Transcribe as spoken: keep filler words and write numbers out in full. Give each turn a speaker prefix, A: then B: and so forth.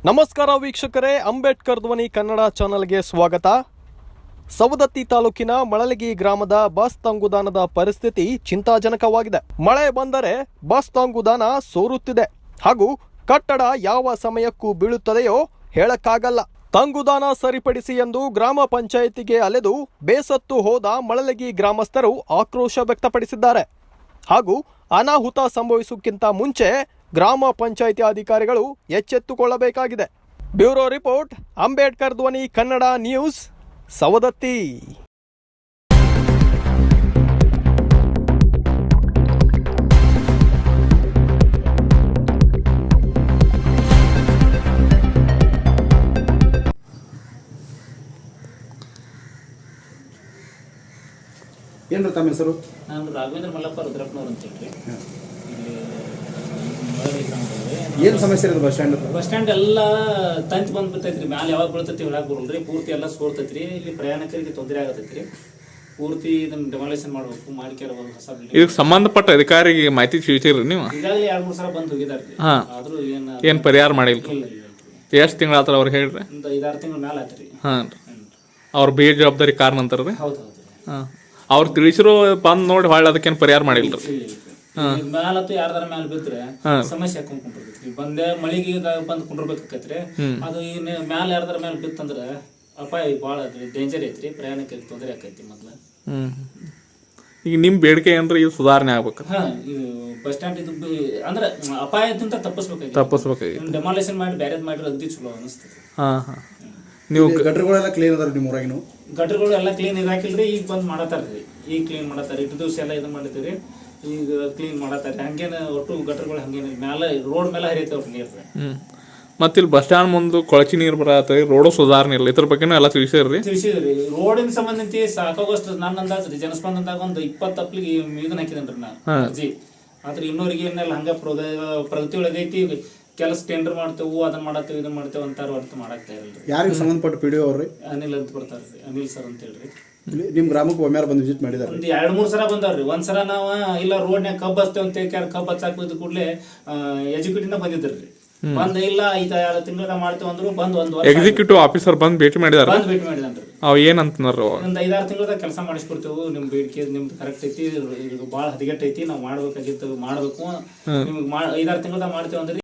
A: ನಮಸ್ಕಾರ ವೀಕ್ಷಕರೇ, ಅಂಬೇಡ್ಕರ್ ಧ್ವನಿ ಕನ್ನಡ ಚಾನೆಲ್ಗೆ ಸ್ವಾಗತ. ಸವದತ್ತಿ ತಾಲೂಕಿನ ಮಳಲಗಿ ಗ್ರಾಮದ ಬಸ್ ತಂಗುದಾನದ ಪರಿಸ್ಥಿತಿ ಚಿಂತಾಜನಕವಾಗಿದೆ. ಮಳೆ ಬಂದರೆ ಬಸ್ ತಂಗುದಾನ ಸೋರುತ್ತಿದೆ ಹಾಗೂ ಕಟ್ಟಡ ಯಾವ ಸಮಯಕ್ಕೂ ಬೀಳುತ್ತದೆಯೋ ಹೇಳಕ್ಕಾಗಲ್ಲ. ತಂಗುದಾನ ಸರಿಪಡಿಸಿ ಎಂದು ಗ್ರಾಮ ಪಂಚಾಯಿತಿಗೆ ಅಲೆದು ಬೇಸತ್ತು ಹೋದ ಮಳಲಗಿ ಗ್ರಾಮಸ್ಥರು ಆಕ್ರೋಶ ವ್ಯಕ್ತಪಡಿಸಿದ್ದಾರೆ. ಹಾಗೂ ಅನಾಹುತ ಸಂಭವಿಸುವುದಕ್ಕಿಂತ ಮುಂಚೆ ಗ್ರಾಮ ಪಂಚಾಯಿತಿ ಅಧಿಕಾರಿಗಳು ಎಚ್ಚೆತ್ತುಕೊಳ್ಳಬೇಕಾಗಿದೆ. ಬ್ಯೂರೋ ರಿಪೋರ್ಟ್, ಅಂಬೇಡ್ಕರ್ ಧ್ವನಿ ಕನ್ನಡ ನ್ಯೂಸ್, ಸವದತ್ತಿ.
B: ಏನು ತಮ್ಮ ಹೆಸರು?
C: ನಾನು ರಾಘವೇಂದ್ರ ಮಲ್ಲಪ್ಪ ರುದ್ರಪ್ಪನವ್ರು ಅಂತ ಹೇಳಿ.
B: ಏನು ಸಮಸ್ಯೆ ಇರೋದು ಬಸ್ ಸ್ಟ್ಯಾಂಡ್?
C: ಬಸ್ ಸ್ಟ್ಯಾಂಡ್ ಎಲ್ಲ ತಂತಿ ಬಂದ್ಬಿಡ್ತೈತ್ರಿ. ಮ್ಯಾಲೆ ಯಾವಾಗ ಬೀಳ್ತೈತಿ ಹೇಳಕ್ ಬರಲ್ರಿ. ಪೂರ್ತಿ ಎಲ್ಲ ಸೋರ್ತೈತ್ರಿ. ಇಲ್ಲಿ ಪ್ರಯಾಣಿಕರಿಗೆ ತೊಂದರೆ ಆಗತೈತ್ರಿ. ಪೂರ್ತಿ ಇದನ್ನ ಡೆಮಾಲೇಷನ್ ಮಾಡ್ಬೇಕು, ಮಾಡಿಕ್ಯಾರ ಹೊಸ ಬಿಲ್ಡಿಂಗ್.
D: ಇದಕ್ಕೆ ಸಂಬಂಧಪಟ್ಟ ಅಧಿಕಾರಿಗೆ ಮಾಹಿತಿ ತಿಳಿಸಿರಿ ನೀವು?
C: ಈಗಾಗಲೇ ಎರಡ್ ಮೂರು ಸಲ ಬಂದು ಹೋಗಿದಾರ್ರಿ.
D: ಹಾ,
C: ಆದ್ರೂ ಏನ್
D: ಏನ್ ಪರಿಹಾರ ಮಾಡಿಲ್ಲ.
C: ಇಲ್ಲ
D: ಎಷ್ಟು ತಿಂಗಳ ಆತರ ಅವ್ರು ಹೇಳ್ರಿ?
C: ಒಂದು ಐದಾರು ತಿಂಗಳ ಮ್ಯಾಲ ಆತ್ರಿ.
D: ಹಾ, ಅವ್ರ ಬೇಜವಾಬ್ದಾರಿ ಕಾರಣ ಅಂತಾರ್ರಿ.
C: ಹೌದು ಹೌದು.
D: ಹಾ, ಅವ್ರು ತಿಳಿಸಿರೋ ಬಂದ್ ನೋಡಿ ಹೊಳ್ಳಿ ಅದಕ್ಕೇನು ಪರಿಹಾರ ಮಾಡಿಲ್ರಿ.
C: ಮ್ಯಾಲತ್ತು ಯಾರ್ದಾರ ಮ್ಯಾಲ ಬಿದ್ರೆ ಸಮಸ್ಯೆ ಹಾಕೊಂಡ್ ಕುಂಡಿರ್ತೈತಿ. ಬಂದೆ ಮಳಿಗೆ ಬಂದ್ ಕುಂಡಿರ್ಬೇಕಾಕೈತ್ರಿ. ಅದು ಇನ್ ಮ್ಯಾಲ ಯಾರ್ದಾರ ಮ್ಯಾಲ ಬಿತ್ತಂದ್ರ ಅಪಾಯ ಬಾಳ ಡೇಂಜರ್ ಐತ್ರಿ. ಪ್ರಯಾಣಕ್ಕೆ ತೊಂದರೆ ಆಕೈತಿ. ಮೊದ್ಲ
D: ಹ್ಮ್ ಈಗ ನಿಮ್ ಬೇಡಿಕೆ ಏನ್ರಿ ಇದು ಸುಧಾರಣೆ ಆಗ್ಬೇಕು?
C: ಹಾ, ಇದು ಬಸ್ ಸ್ಟ್ಯಾಂಡ್ ಇದು ಅಂದ್ರ ಅಪಾಯದಿಂದ ತಪ್ಪಿಸ್ಬೇಕಾಗಿ
D: ತಪ್ಪಿಸ್ಬೇಕಾಗಿ
C: ಡೆಮಾಲೇಷನ್ ಮಾಡಿ ಬ್ಯಾರೇಜ್ ಮಾಡಿದ್ರೆ ಅಗದಿ ಚಲೋ ಅನಿಸ್ತದೆ.
D: ಹಾ ಹಾ ನೀವು
B: ಗಟ್ರಗಳೆಲ್ಲ ಕ್ಲೀನ್ ಅದಾರ ನಿಮ್ಮ ಊರಾಗಿನ?
C: ಗಟ್ರಗಳು ಎಲ್ಲ ಕ್ಲೀನ್ ಇದಾಕಿಲ್ರಿ. ಈಗ ಬಂದ್ ಮಾಡತಾರ್ರಿ. ಈಗ ಕ್ಲೀನ್ ಮಾಡತಾರ. ಇಟ್ಟು ದಿವಸ ಎಲ್ಲ ಇದು ಮಾಡಿದ್ರಿ. ಈಗ ಕ್ಲೀನ್ ಮಾಡತಾರೆ. ಹಂಗೇನ ಒಟ್ಟು ಗಟ್ರಗಳು ಹಂಗೇನ ಮ್ಯಾಲ ರೋಡ್ ಮೇಲೆ ಹರಿಯತಾವ್ರಿ ನೀರ್.
D: ಹ್ಮ್ ಮತ್ತೆ ಇಲ್ಲಿ ಬಸ್ ಸ್ಟ್ಯಾಂಡ್ ಮುಂದೆ ಕೊಳಚಿ ನೀರು ಬರತ್ತೆ, ರೋಡು ಸುಧಾರಣೆ ಇಲ್ಲ. ಇದ್ರ ಬಗ್ಗೆನೂ ಎಲ್ಲ ತಿಳಿಸಿದ್ರಿ?
C: ತಿಳಿಸಿದ್ರಿ. ರೋಡಿನ ಸಂಬಂಧಿಸಿ ಸಾಕಾಗೋಷ್ಟು ನನ್ನ ಅಂದಾಜ್ರಿ ಜನಸ್ಪಂದನದಾಗ ಒಂದು ಇಪ್ಪತ್ತು ಅಪ್ಲಿಗೆ ಇದನ್ನ ಹಾಕಿದನ್ರಿ ನಾ ಅರ್ಜಿ. ಆದ್ರೆ ಇನ್ನೂರಿಗೆ ಏನೆಲ್ಲ ಹಂಗ ಪ್ರಗತಿ ಒಳಗೈತಿ. ಕೆಲಸ ಟೆಂಡರ್ ಮಾಡ್ತೇವು, ಅದನ್ನ ಮಾಡತ್ತೇವೆ, ಇದನ್ನ ಮಾಡ್ತೇವೆ ಅಂತಾರ. ಹೊರತು ಮಾಡಾಕ್ತಾ ಇರಲ್ರಿ.
B: ಯಾರಿಗೆ ಸಂಬಂಧಪಟ್ಟ ಪಿ ಡಿ ಒ ಅವ್ರಿ?
C: ಅನಿಲ್ ಅಂತ ಬರ್ತಾರ್ರಿ. ಅನಿಲ್ ಸರ್ ಅಂತ ಹೇಳ್ರಿ.
B: ನಿಮ್ ಗ್ರಾಮಕ್ಕೆ ಒಮ್ಮೆಯಾರ ಬಂದು ವಿಸಿಟ್ ಮಾಡಿದಾರೆ?
C: ಒಂದ್ ಎರಡ್ ಮೂರ್ ಸಲ ಬಂದಾರ್ರಿ. ಒಂದ್ ಸಲ ನಾವ ಇಲ್ಲ ರೋಡ್ನ್ಯಾಗ ಕಬ್ಬ್ ಹಚ್ತೇವೆ ಅಂತ ಹೇಳಿ ಕಬ್ಬ್ ಹಚ್ಚಾಕ್ ಬಿದ್ದ ಕೂಡಲೇ ಎಜುಕೇಟಿವ್ ಬಂದಿದ್ರಿ. ಬಂದ ಇಲ್ಲ ಐದ ಎರಡು ತಿಂಗಳ ಮಾಡ್ತೇವೆ ಅಂದ್ರು. ಬಂದ್ ಒಂದ್ ವರ್ಷ
D: ಎಕ್ಸಿಕ್ಯೂಟಿವ್ ಆಫೀಸರ್ ಬಂದ್ ಭೇಟಿ ಮಾಡಿದಾರ?
C: ಬಂದ್ ಭೇಟಿ ಮಾಡಿದನ್ರಿ.
D: ಅವ್ ಏನಂತಂದ್ರ
C: ಒಂದ್ ಐದಾರು ತಿಂಗಳದಾಗ ಕೆಲಸ ಮಾಡಿಸ್ಕೊಡ್ತೇವೆ. ನಿಮ್ ಬೇಡಿಕೆ ನಿಮ್ದು ಕರೆಕ್ಟ್ ಐತಿ, ಇದು ಬಾಳ ಹದಗೆಟ್ ಐತಿ, ನಾವ್ ಮಾಡ್ಬೇಕಾಗಿತ್ತು, ಮಾಡ್ಬೇಕು, ನಿಮ್ಗೆ ಐದಾರು ತಿಂಗಳದಾಗ ಮಾಡ್ತೇವೆ ಅಂದ್ರಿ.